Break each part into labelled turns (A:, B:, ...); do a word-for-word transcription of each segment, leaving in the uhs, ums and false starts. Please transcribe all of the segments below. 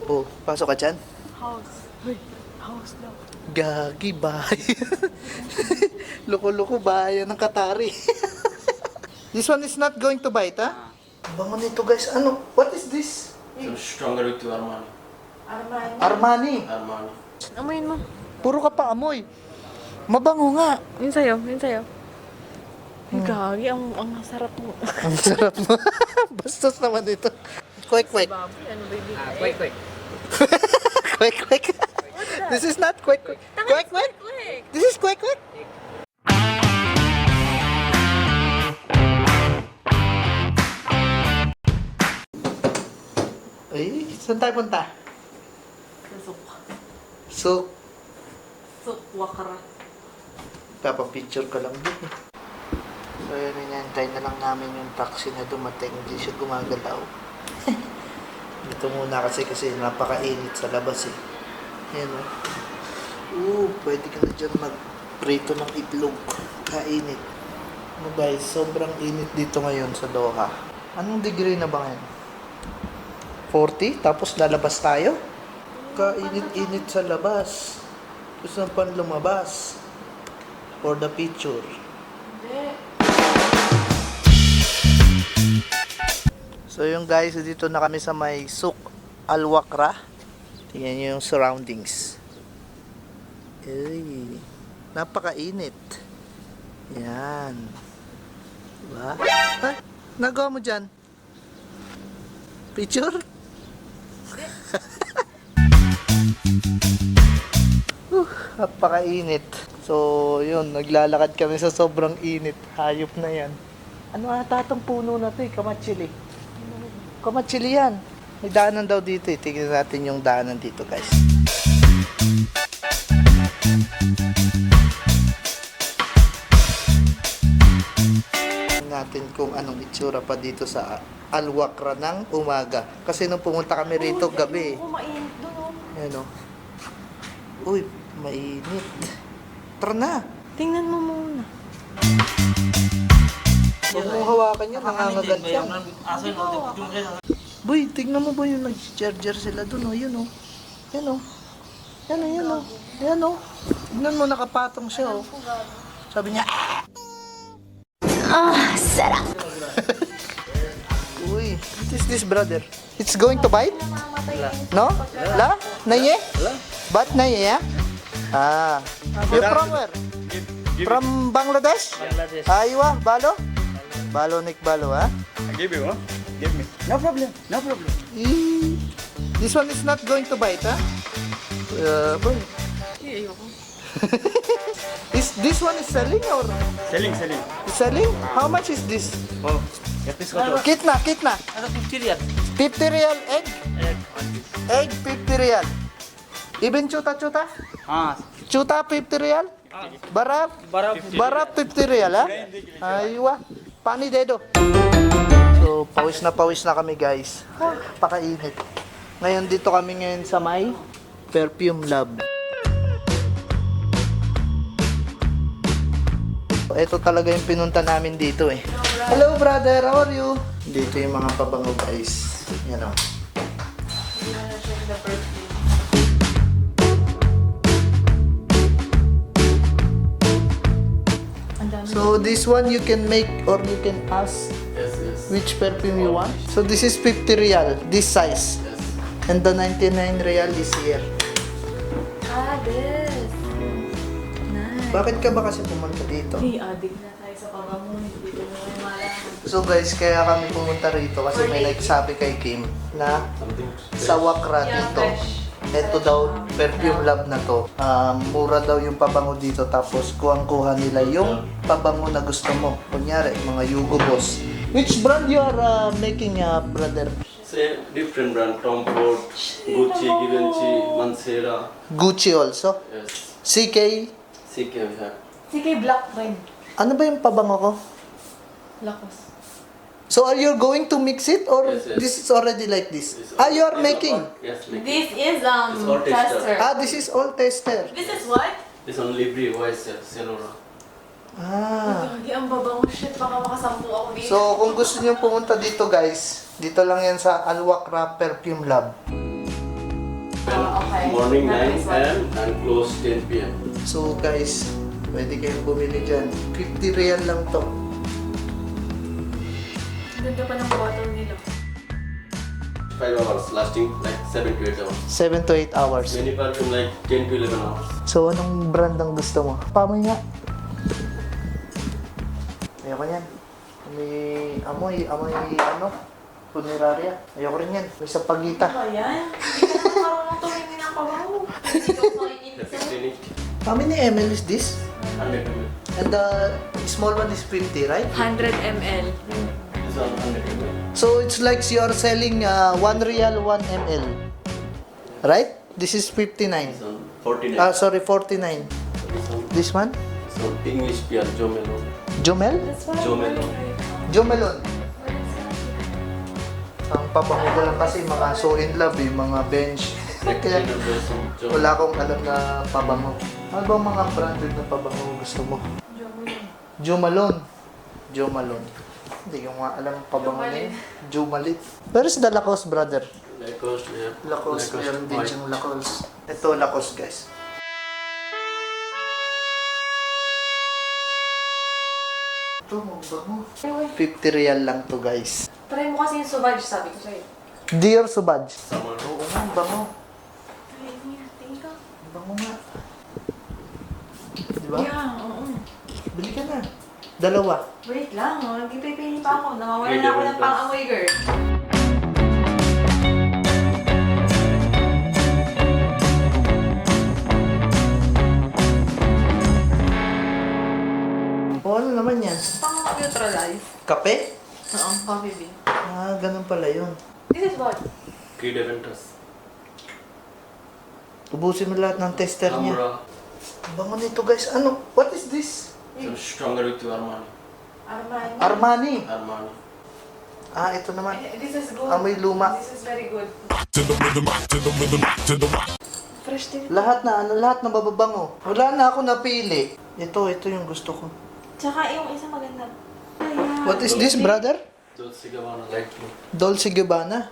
A: Oh, pasok ka dyan.
B: House. Hoy, house daw.
A: Gagi, bahay. Loko-loko, bahay ng Katari. This one is not going to bite, ha? Bango nito, guys. Ano? What is this?
C: So stronger with your Armani.
B: Armani.
A: Armani.
C: Armani.
B: Amoyin mo.
A: Puro ka pa amoy. Mabango nga.
B: Yun sa'yo, yun sa'yo. Hmm. Gagi, ang, ang sarap mo.
A: Ang sarap mo. Bastos naman ito. Quick, quick.
B: Baboy, ano baby?
C: Ah, quick, quick.
A: Quick, quick. This is not quick, quick. Quick, quick.
B: Quick.
A: This is quick, quick. Ay, saan tayo punta?
B: Susuk.
A: So,
B: Suk, wakara.
A: papapicture ka lang din eh. So, yun, inantay na lang namin yung taxi na dumating. Hindi siya gumagalaw. Dito muna kasi kasi napakainit sa labas eh. Ayan o. Oo, pwede ka na dyan mag-prito ng itlog. Kainit. Ano guys, sobrang init dito ngayon sa Doha. Anong degree na ba ngayon? forty? Tapos lalabas tayo? Kainit-init sa labas. Gusto na pan lumabas. For the picture.
B: Hindi.
A: So yung guys, dito na kami sa may Souk Al Wakra. Tingnan nyo yung surroundings. Ay, napakainit. Yan. Diba? Ha? Nagawa mo dyan? Picture? uh, napakainit. So yun, naglalakad kami sa sobrang init. Hayop na yan. Ano ata itong puno na ito eh? Kamatsili. Kamatsili yan. May daanan daw dito eh. Tingnan natin yung daanan dito guys. Tingnan natin kung anong itsura pa dito sa Al Wakra ng umaga. Kasi nung pumunta kami rito gabi.
B: Oo, mainit doon oh.
A: Ayan o. Uy, mainit. Tara na.
B: Tingnan mo muna.
A: Huwag mong hawakan yan. Nangangagat yan. Boy, tignan mo ba yung nag-charger sila dun, oh. Yun, oh. Yan, oh. Yan, oh, yan, oh. Yan, oh. Tignan mo, nakapatong siya, oh. Sabi niya, ah!
D: Ah, sarap.
A: Uy, what is this, brother? It's going to bite? No? La? Naye? Bat naye, ya? Ah. You from where? From Bangladesh?
C: Bangladesh.
A: Aywa, Balo? Balo, Nick Balo, ha?
C: I give you, huh? Give me. No problem. No problem.
A: Eh, this one is not going to bite, ha? Uh, boy.
B: Ay, ayoko.
A: Is this one is selling or
C: Selling, selling.
A: is selling? How much is this?
C: Oh, get this photo.
A: Kitna, kitna.
C: Ano fifty riyal?
A: fifty real egg?
C: Egg, one piece.
A: Egg fifty real. Even chuta chuta?
C: Ah,
A: Chuta fifty real? Barab?
C: barab.
A: Barab fifty real, ha? Aywa. Pani dedo. So, pawis na pawis na kami, guys. Pakainit. Ngayon dito kami ngayon sa may Perfume Lab. Ito talaga yung pinunta namin dito eh. Hello brother, how are you? Dito yung mga pabango guys. Yan o.
B: Hindi na na-check the birthday. Ang dami.
A: So this one you can make or you can ask
C: Yes, yes.
A: which perfume you want. So this is fifty real, this size.
C: Yes.
A: And the ninety-nine real is here.
B: Ah, this. Nice.
A: Bakit ka ba kasi pumunta dito?
B: Hey, addict na tayo sa pabango. Hindi ko na may malaman.
A: So guys, kaya kami pumunta rito kasi may nagsabi kay Kim na
C: Something.
A: sa Wakra dito. Ito daw, perfume lab na to. Um, mura daw yung pabango dito tapos kuhang-kuha nila yung pabango na gusto mo. Kunyari, mga Hugo Boss. Which brand you are uh, making, uh, brother?
C: Say different brand. Tom Ford, Gucci, Givenchy, Mancera.
A: Gucci also.
C: Yes.
A: C K.
C: C K we have.
B: Si kay Black Red.
A: Ano ba yung pabango ko?
B: Lakos.
A: So are you going to mix it or
C: Yes, yes.
A: this is already like this?
C: This
A: Ah, you are
C: is
A: making?
C: all- Yes, making.
B: This is um
C: It's all tester.
B: tester.
A: Ah, this is all tester.
B: This is what?
C: This one Libri, Wise, Senora.
A: Ah.
B: Gagi, ang babango. Shit, baka makasampu ako dito.
A: So, kung gusto niyo pumunta dito guys, dito lang yan sa Al Wakra Perfume Lab.
C: morning nine a m and close ten p m
A: So guys, pwede kayong bumili dyan. fifty real lang to.
B: Ganda pa ng bottle nila.
C: five hours, lasting like seven to eight hours.
A: seven to eight hours.
C: Many perfume like ten to eleven hours.
A: So, anong brand ang gusto mo? Pamoy nga. Ayoko yan. May amoy, amoy ano? Funeraria. Ayoko rin yan. May sapagita.
B: Ano ba yan? Hindi ka naman marunong tumingin ng pabango. Hindi ka makikinig
C: The
B: sa'yo.
C: fifteen
A: How many ml is this?
C: one hundred milliliters.
A: And the small one is fifty, right?
B: one hundred milliliters.
C: This one one hundred milliliters.
A: So, it's like you're selling uh, one real, one ml. Right? This is fifty-nine.
C: This one forty-nine.
A: Ah, sorry, forty-nine.
C: This one,
A: This one?
C: this one English beer, Jomelo.
A: Jomel?
B: That's why
C: Jomelo.
A: Jomelon. Ang pabango ko lang kasi mga so in love eh, mga bench.
C: Like
A: Kaya
C: cleaner version, Jomelo.
A: wala akong alam na pabango. Ano bang mga branded na pabango gusto mo? Jomalon. Jomalon. Hindi ko nga alam ang pabango na yun. Jomalit. Pero si the Lacoste, brother.
C: Lacoste, yeah.
A: Lacoste, meron din
C: white.
A: yung Lacoste. Ito, Lacoste, guys. Ito, mabango. fifty real lang to, guys.
B: Try mo kasi yung Sauvage, sabi ko sa'yo.
A: Dear Subaj.
C: Summer.
A: Oo nga, ang bango.
B: Try niya, tingin ka.
A: Ang bango nga. Di ba?
B: Yeah, oo.
A: Bili ka na. Dalawa.
B: Wait lang, oh. Nagpipili pa ako. Nawawala
C: Wait,
B: na ako
C: wait,
B: ng
C: wait.
B: pang-amoy, girl.
A: O ano naman yan?
B: Pang-neutralize.
A: Kape?
B: Oo, coffee bean.
A: Ah, ganun pala yun.
B: This is what?
C: Creed Aventus.
A: Ubusin mo lahat ng tester niya.
C: Amura.
A: Ang bango nito, guys. Ano? What is this?
C: So stronger with your Armani.
B: Armani.
A: Armani.
C: Armani.
A: Ah, ito naman.
B: Eh, This is good.
A: Amoy luma.
B: This is very good. Fresh din.
A: Lahat na, ano, lahat na bababango. Wala na ako napili. Ito, ito yung gusto ko.
B: Tsaka yung isa maganda. Ayan.
A: What is this, brother?
C: Dolce Gabbana light blue.
A: Dolce Gabbana.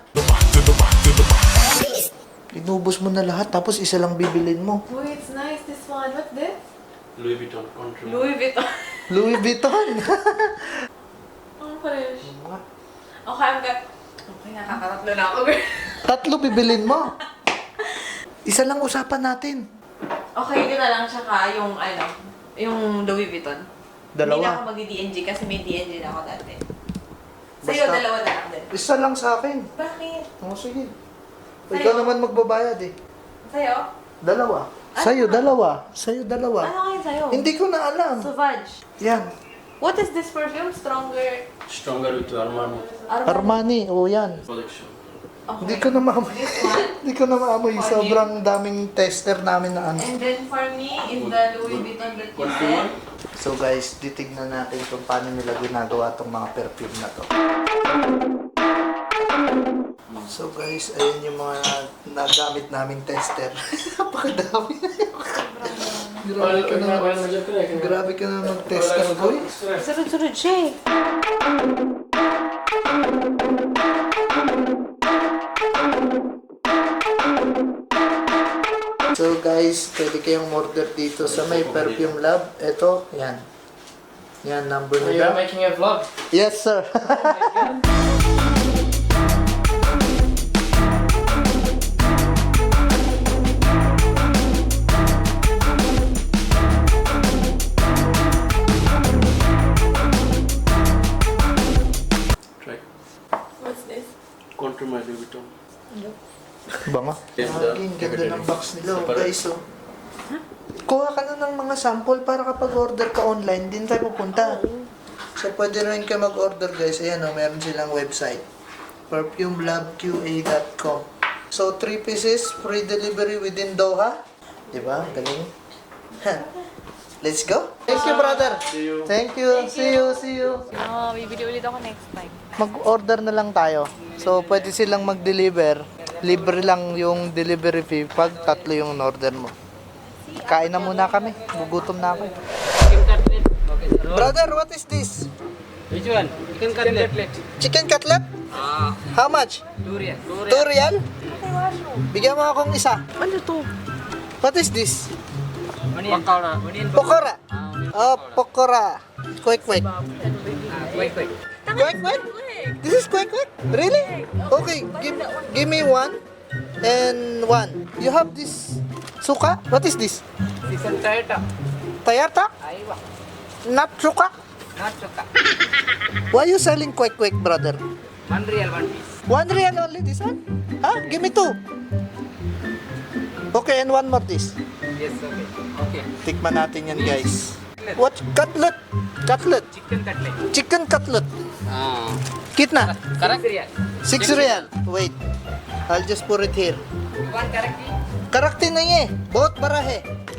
A: Inubos mo na lahat, tapos isa lang bibilin mo.
B: Oh, it's nice, this one. What's this?
C: Louis Vuitton country.
B: Louis Vuitton.
A: Louis Vuitton.
B: Ang fresh. Okay, I'm good. Okay, nakakatatlo na ako, girl.
A: Tatlo bibilin mo. Isa lang usapan natin.
B: Okay, yun na lang. Tsaka yung, ano, yung Louis Vuitton. Hindi na ako
A: Dalawa.
B: mag-D N G kasi may D N G na ako dati. Sa'yo,
A: Basta-
B: dalawa na lang din.
A: Isa lang sa akin.
B: Bakit?
A: O, sige.
B: Sa'yo?
A: Ikaw naman magbabayad eh.
B: Sa'yo?
A: Dalawa.
B: Ano?
A: Sa'yo, dalawa. Sa'yo, dalawa.
B: Ano kayo sa'yo?
A: Hindi ko na alam.
B: Sauvage.
A: Yan.
B: What is this perfume? Stronger?
C: Stronger with your Armani
A: Armani. O, yan.
C: collection.
B: Okay.
A: Hindi ko na maamoy.
B: This one.
A: Hindi ko na maamoy. Sobrang daming tester namin na ano.
B: And then for me, is the Louis Vuitton that you
C: What do you
B: said.
C: want?
A: So guys, titignan natin kung paano nila ginagawa tong mga perfume na to. So guys, ayun yung mga nagamit naming tester. Napakadami. Grabe ka na. Grabe ka na mag-tester, boy.
B: Sunod-sunod siya eh.
A: So guys, pwede kayong order dito sa may Perfume Lab. Ito, yan. Yan, number
E: So you're
A: nila.
E: making a vlog?
A: Yes, sir.
C: Try.
B: What's this?
C: Contour my Louis Vuitton.
A: Bango.
C: Yes,
A: Ah,
C: the
A: ang ganda ng box nila, oh,
C: separate.
A: guys. Oh. Kuha ka na ng mga sample para kapag order ka online, din tayo pupunta. So, pwede rin kayo mag-order, guys. Ayan, oh, meron silang website. perfume lab q a dot com. So, three pieces, free delivery within Doha. Diba? Galing. Let's go. Thank you, brother.
C: See you.
A: Thank you. See you. See you.
B: Oo, bibili ulit ako next time.
A: Mag-order na lang tayo. So, pwede silang mag-deliver. Libre lang yung delivery fee pag tatlo yung order mo. Kain na muna kami. Gugutom na ako. Brother, what is this?
E: Which one? Chicken cutlet.
A: Chicken cutlet? How much?
E: Two real.
A: Two real? Bigyan mo akong isa.
B: Ano to?
A: What is this?
E: Onion. Pakora. Onion.
A: Pokora. Oh, pokora. Quick, quick.
E: Wait, wait.
A: Quick, quick? This is quick, quick? Really? Okay, give, give me one and one. You have this suka? What is this?
E: Season Toyota.
A: Tayata?
E: Aywa.
A: Not suka?
E: Not suka.
A: Why you selling quick, quick, brother?
E: One real, one piece.
A: One real only this one? Huh? Give me two. Okay, and one more this.
E: Yes, okay. Okay.
A: Tikman natin yan, guys. What? Cutlet? Cutlet?
E: Chicken cutlet.
A: Chicken cutlet.
E: Ah.
A: Kitna?
E: Correct real.
A: Six real. Wait. I'll just put it here.
E: You want correct?
A: Karakti nahi hai. Bahut bada hai.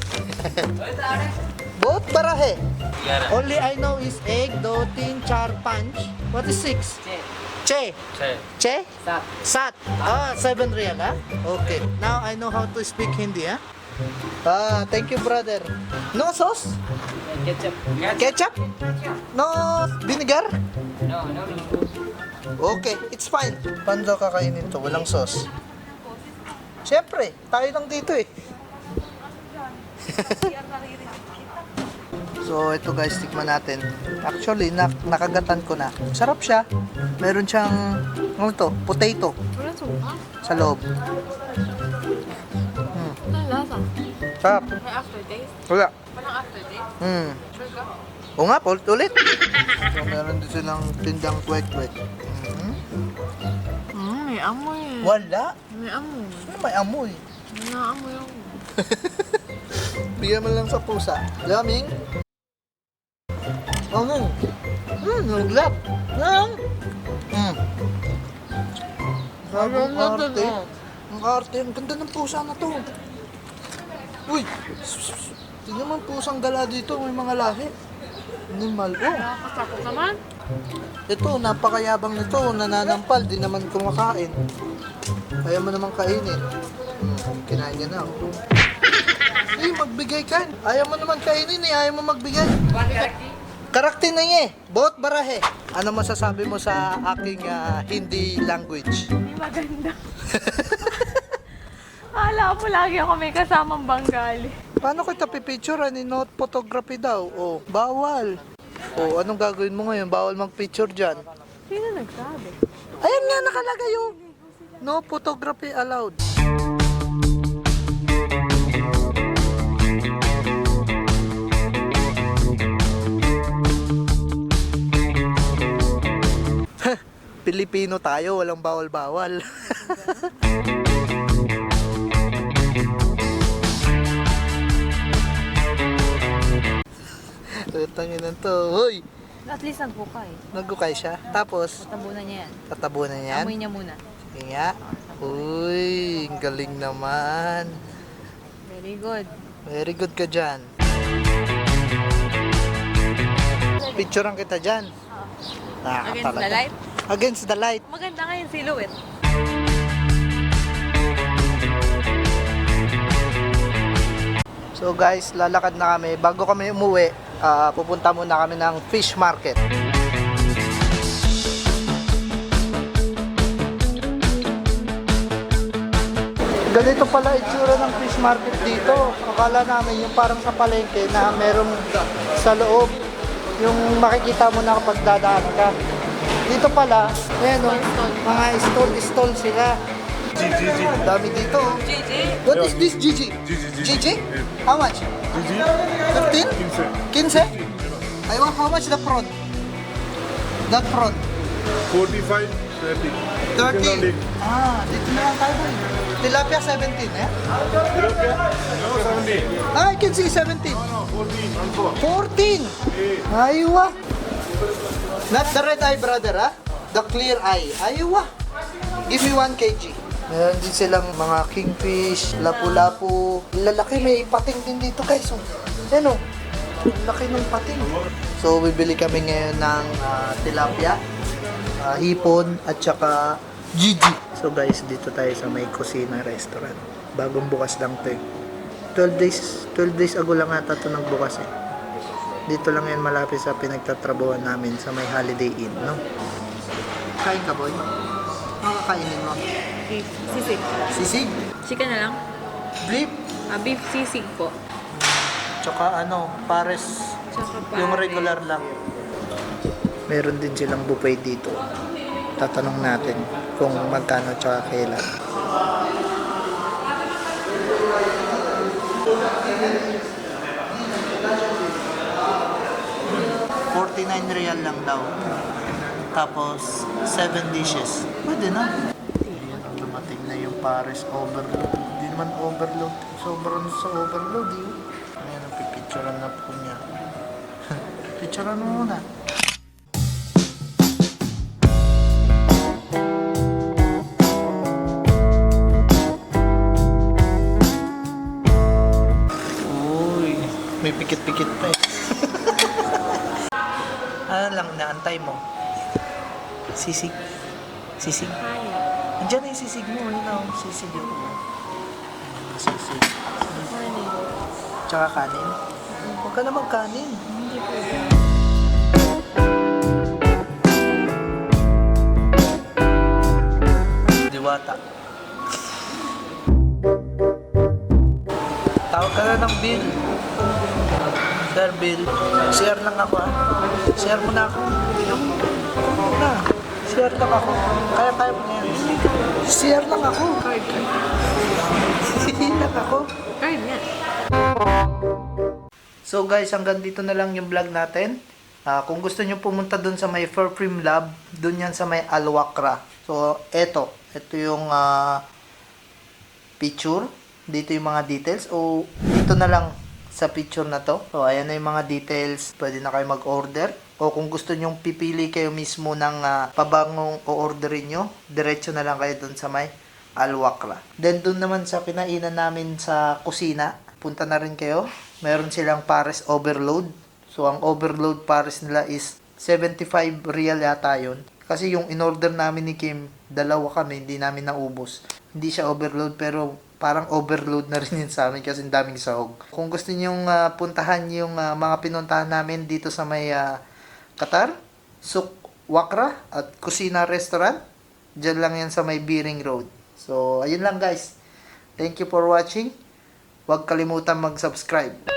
A: Bahut bada hai. Only I know is egg, do, tin, char, panch. What is six?
E: Che.
A: Che.
E: Che.
A: Che?
E: Sat.
A: Sat. Ah, seven real, ah? Okay. Now I know how to speak Hindi, ah? Ah, thank you, brother. No sauce?
E: Ketchup.
A: Ketchup? No vinegar?
E: No, no, no.
A: Okay, it's fine. Paano daw kakainin to? Walang sauce. Siyempre, tayo lang dito eh. So, ito guys, tikman natin. Actually, nak nakagatan ko na. Sarap siya. Meron siyang, ano to? Potato
B: Wala suka.
A: sa loob.
B: Ano lasa?
A: Sarap.
B: May aftertaste?
A: Wala.
B: Walang aftertaste?
A: Hmm.
B: Sure ka?
A: O nga, ulit ulit. So, meron din silang tindang kwek-kwek. Mhm.
B: Mm, may amoy eh.
A: Wala.
B: May amoy.
A: Ano may amoy?
B: May naamoy ako.
A: Bigyan mo lang sa pusa. Yummy. Ano? Hmm, naglap. Nang. Hmm. Sabi ang arte. Ang arte. Ang ganda ng pusa na to. Uy! Tingnan mo ang pusang gala dito. May mga lahi. Animal. Oh.
B: Nakakatakot naman.
A: Ito, napakayabang nito. Nananampal. Di naman kumakain. Kaya mo naman kainin. Hmm, kinain niya na. Oh. Eh, magbigay ka. Ayaw mo naman kainin eh. Ayaw mo magbigay.
E: One correct?
A: Karakter na niya eh. Bot barahe. Ano masasabi mo sa aking ah, Hindi language?
B: Hindi maganda. Akala ko lagi ako may kasamang Bengali.
A: Paano kita pipicture? Ni note photography daw. Oh, bawal. Oh, anong gagawin mo ngayon? Bawal mag-picture dyan.
B: Sino nagsabi?
A: Ayan nga, nakalagay yung no photography allowed. Pilipino tayo, walang bawal-bawal. Tangin na to. Hoy!
F: At least nagbukay.
A: Nagukay siya. Tapos,
F: Tabunan niya yan.
A: tatabunan niyan.
F: Amoy niya muna.
A: Sige nga. Uy, ang galing naman.
F: Very good.
A: Very good ka dyan. Picturean kita dyan.
F: Against the light.
A: Against the light.
F: Maganda nga yung silhouette.
A: So guys, lalakad na kami. Bago kami umuwi, ah, pupunta muna kami ng fish market. Ganito pala itsura ng fish market dito. Akala namin yung parang sa palengke na merong sa loob yung makikita mo na kapag dadaan ka. Dito pala, ayan o, mga stall-stall sila. Ang dami dito. oh. What is this, Gigi? Gigi? How much? fifteen? fifteen? I want how much the prawn? That prawn?
G: forty-five, thirty.
A: thirty. Ah, dito na lang tayo boy. Tilapia seventeen, eh?
G: No, seventy.
A: Ah, I can see seventeen.
G: No, fourteen. One four.
A: fourteen. Aywa. Not the red eye, brother, ah? The clear eye. Aywa. Give me one kilogram. Meron din silang mga kingfish, lapu-lapu. Lalaki, may pating din dito, guys. Oh. Yan oh. Laki ng pating. So, bibili kami ngayon ng ah, tilapia, ah, hipon, at saka Gigi. So guys, dito tayo sa may kusina restaurant. Bagong bukas lang to eh. twelve days, twelve days ago lang ata ito nagbukas eh. Dito lang yan malapit sa pinagtatrabuhan namin sa may Holiday Inn, no? Kain ka, boy? Ano kakainin mo?
F: Beef sisig.
A: Sisig?
F: Chicken na lang.
A: Beef?
F: Ah, beef sisig po.
A: Tsaka ano, pares.
F: Tsaka pa.
A: Yung regular lang. Meron din silang buffet dito. Tatanong natin kung magkano tsaka kailan. forty-nine real lang daw. Tapos, seven dishes. Pwede na. Ayan, dumating na yung pares overload. Hindi naman overload. Sobrang sa overload yun. Ayan, pipicturean na po niya. Picturean mo muna. Uy, may pikit-pikit pa eh. Ano lang naantay mo? Sisig. Sisig.
F: Kaya.
A: Andiyan na yung sisig mo. Ayun na, sisig yun. Sisig.
F: Kanin.
A: Tsaka kanin. Huwag ka na magkanin.
F: Hindi po.
A: Diwata. Tawag ka na ng bill. Sir, bill. Share lang ako ah. Share mo na ako. Ako na. Share lang ako. Kaya kaya mo na yan. Share lang ako.
F: Card, card.
A: Share lang ako.
F: Card nga.
A: So guys, hanggang dito na lang yung vlog natin. Ah, kung gusto nyo pumunta dun sa may Furframe Lab, dun yan sa may Alwakra. So, eto. Ito yung ah, picture. Dito yung mga details. O, dito na lang sa picture na to. So, ayan na yung mga details. Pwede na kayo mag-order. O kung gusto nyong pipili kayo mismo ng ah, pabangong o-orderin nyo, diretso na lang kayo dun sa may Alwakra. Then, dun naman sa kinainan namin sa kusina, punta na rin kayo. Meron silang pares overload. So, ang overload pares nila is seventy-five real yata yun. Kasi yung in-order namin ni Kim, dalawa kami, hindi namin naubos. Hindi siya overload, pero parang overload na rin yun sa amin kasi ang daming sahog. Kung gusto nyong uh, puntahan yung uh, mga pinuntahan namin dito sa may uh, Qatar, Souk Wakra at Kusina Restaurant, dyan lang yan sa may Biring Road. So, ayun lang guys. Thank you for watching. Huwag kalimutan mag-subscribe.